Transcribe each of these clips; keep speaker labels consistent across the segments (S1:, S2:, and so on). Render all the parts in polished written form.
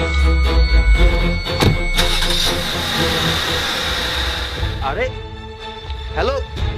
S1: আরে হ্যালো,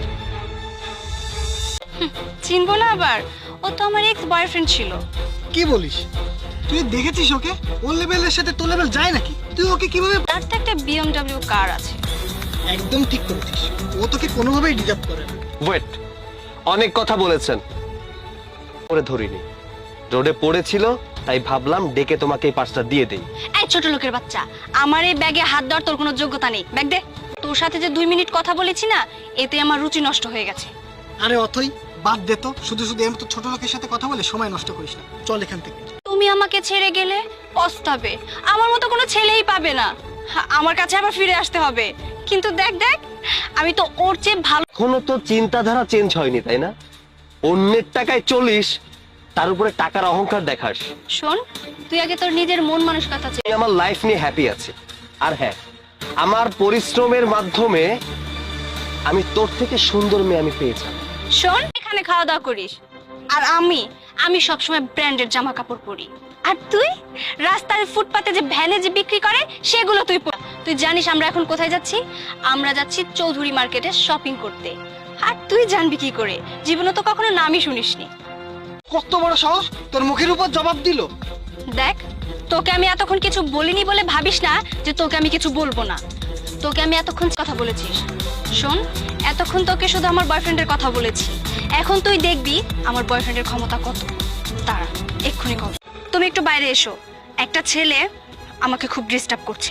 S2: চিনবো না আবার? ও তো আমার এক্স বয়ফ্রেন্ড ছিল।
S3: কি বলিস? তুই দেখেছিস ওকে? ওর লেভেলের সাথে তোর লেভেল যায় নাকি? তুই ওকে কিভাবে?
S2: তার তো একটা BMW কার আছে।
S3: একদম ঠিক করেছিস, ও তোকে কোনোভাবেই ডিজার্ভ করে না।
S1: ওয়েট, অনেক কথা বলেছেন, পরে ধরিনি, রোডে পড়েছিল তাই ভাবলাম ডেকে তোমাকে এই পার্সটা দিয়ে দেই।
S2: এই ছোট লোকের বাচ্চা, আমার এই ব্যাগে হাত দেওয়ার তোর কোনো যোগ্যতা নেই। ব্যাগ দে। তোর সাথে যে 2 মিনিট কথা বলেছি না, এতে আমার রুচি নষ্ট হয়ে গেছে।
S3: আরে অথই, বাদ দে তো, শুধু শুধু এমন তো ছোট লোকের সাথে কথা বলে সময় নষ্ট করিস না। চল এখান থেকে।
S2: তুমি আমাকে ছেড়ে গেলে পস্তাবে। আমার মতো কোনো ছেলেই পাবে না। আমার কাছে আবার ফিরে আসতে হবে। কিন্তু দেখ দেখ, আমি তো ওর চেয়ে ভালো।
S1: এখনো তো চিন্তাধারা চেঞ্জ হয়নি, তাই না? অন্যের টাকায় চলিস, তার উপরে টাকার অহংকার দেখাস।
S2: শোন, তুই আগে তোর নিজের মন মানসিকতা চেয়ে।
S1: আমি আমার লাইফ নিয়ে হ্যাপি আছি। আর হ্যাঁ, আমার পরিশ্রমের মাধ্যমে আমি তোর থেকে সুন্দর মেয়ে আমি পেয়েছি।
S2: শোন, এখানে খাওয়া দাওয়া করিস, আর আমি সবসময় ব্র্যান্ডের জামা কাপড় পরি। আর তুই রাস্তার ফুটপাতে যে ভ্যানে যে বিক্রি করে সেগুলো তুই পর। তুই জানিস আমরা এখন কোথায় যাচ্ছি? আমরা যাচ্ছি চৌধুরী মার্কেটে শপিং করতে। আর তুই জানবি কি করে? জীবনে তো কখনো নামই শুনিসনি।
S3: কত বড় সাহস, তোর মুখের উপর জবাব দিল।
S2: দেখ, তোকে আমি এতক্ষণ কিছু বলিনি বলে ভাবিস না যে তোকে আমি কিছু বলবো না। তোকে আমি এতক্ষণ কথা বলেছিস। শোন, এতক্ষণ তোকে শুধু আমার বয়ফ্রেন্ডের কথা বলেছি। এখন তুই দেখবি আমার বয়ফ্রেন্ডের ক্ষমতা কত। দাঁড়া, এক্ষুনি কল। তুমি একটু বাইরে এসো, একটা ছেলে আমাকে খুব ডিস্টার্ব করছে।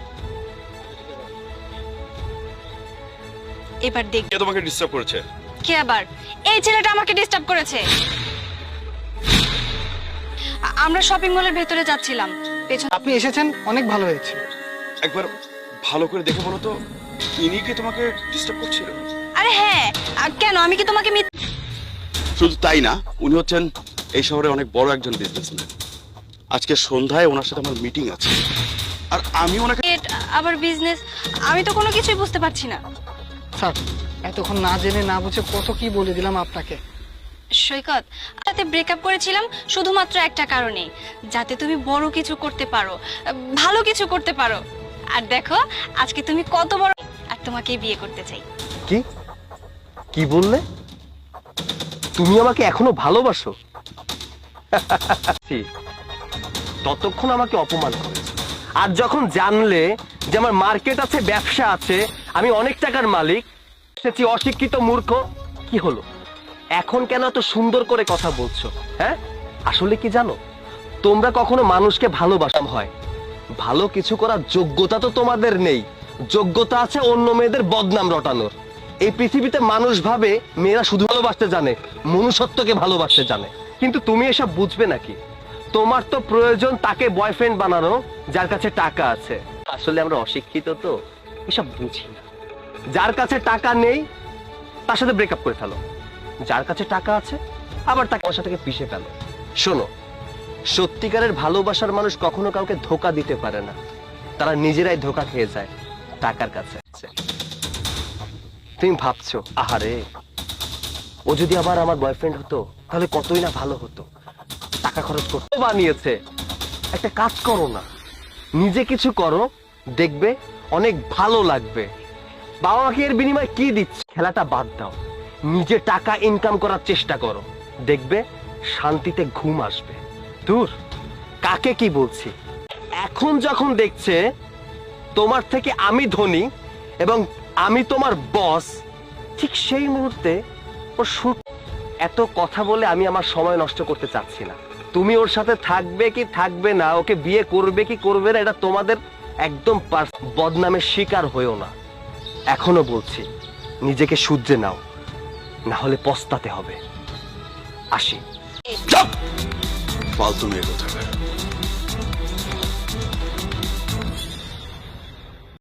S2: এবার দেখ।
S4: কে তোমাকে ডিস্টার্ব করেছে?
S2: কে আবার? এই ছেলেটা আমাকে ডিস্টার্ব করেছে। আমরা শপিং মলের ভেতরে যাচ্ছিলাম, পেছন।
S3: আপনি এসেছেন, অনেক ভালো হয়েছে।
S4: একবার ভালো করে দেখে বলো তো, ইনি কি তোমাকে ডিস্টার্ব করছিল?
S2: আরে হ্যাঁ, কেন? আমি কি তোমাকে
S4: শুধু তাই না, উনি হচ্ছেন এই শহরে অনেক বড় একজন বিজনেসম্যান। আজকে সন্ধ্যায় ওনার সাথে আমার মিটিং আছে, আর আমি ওনাকে
S2: আবার বিজনেস? আমি তো কোনো কিছুই বুঝতে পারছি না।
S3: স্যার, এতক্ষণ না জেনে না বুঝে কত কি বলে দিলাম আপনাকে।
S2: সৈকত, সাথে ব্রেকআপ করেছিলাম শুধুমাত্র একটা কারণে, যাতে তুমি বড় কিছু করতে পারো, ভালো কিছু করতে পারো। আর দেখো আজকে তুমি কত বড়, আর তোমাকে বিয়ে করতে চাই।
S1: কি কি বললে? তুমি আমাকে এখনো ভালোবাসো? ততক্ষণ আমাকে অপমান করেছো, আর যখন জানলে যে আমার মার্কেট আছে, ব্যবসা আছে, আমি অনেক টাকার মালিক, সেটি অশিক্ষিত মূর্খ, কি হলো? এখন কেন এত সুন্দর করে কথা বলছো? হ্যাঁ, আসলে কি জানো, তোমরা কখনো মানুষকে ভালোবাসা হয়, ভালো কিছু করার যোগ্যতা তো তোমাদের নেই। যোগ্যতা আছে অন্য মেয়েদের বদনাম রটানোর। এই পৃথিবীতে মানুষ ভাবে মেয়েরা শুধু ভালোবাসতে জানে, মনুষ্যত্বকে ভালোবাসতে জানে। কিন্তু তুমি এসব বুঝবে নাকি? তোমার তো প্রয়োজন তাকে বয়ফ্রেন্ড বানানো যার কাছে টাকা আছে। আসলে আমরা অশিক্ষিত, তো এসব বুঝি না। যার কাছে টাকা নেই তার সাথে ব্রেকআপ করে ফেলো, যার কাছে টাকা আছে আবার তাকে ওর সাথে পিষে ফেলো। শোনো, সত্যিকারের ভালোবাসার মানুষ কখনো কাউকে ধোকা দিতে পারে না, তারা নিজেরাই ধোকা খেয়ে যায় টাকার কাছে। তুমি ভাবছো আহারে, ও যদি আবার আমার বয়ফ্রেন্ড হতো তাহলে কতই না ভালো হতো, টাকা খরচ করতে বানিয়েছে। একটা কাজ করো না, নিজে কিছু করো, দেখবে অনেক ভালো লাগবে। বাবা মাকে এর বিনিময়ে কি দিচ্ছে? খেলাটা বাদ দাও, নিজে টাকা ইনকাম করার চেষ্টা করো, দেখবে শান্তিতে ঘুম আসবে। দূর, কাকে কি বলছি। এখন যখন দেখছে তোমার থেকে আমি ধনী এবং আমি তোমার বস, ঠিক সেই মুহূর্তে ও এত কথা বলে আমি আমার সময় নষ্ট করতে চাচ্ছি না। তুমি ওর সাথে থাকবে কি থাকবে না, ওকে বিয়ে করবে কি করবে না, এটা তোমাদের একদম বদনামের শিকার হয়েও না। এখনো বলছি, নিজেকে শুধরে নাও, না হলে পস্তাতে হবে। আসি।
S4: ফালতু মেয়ে কোথাকার।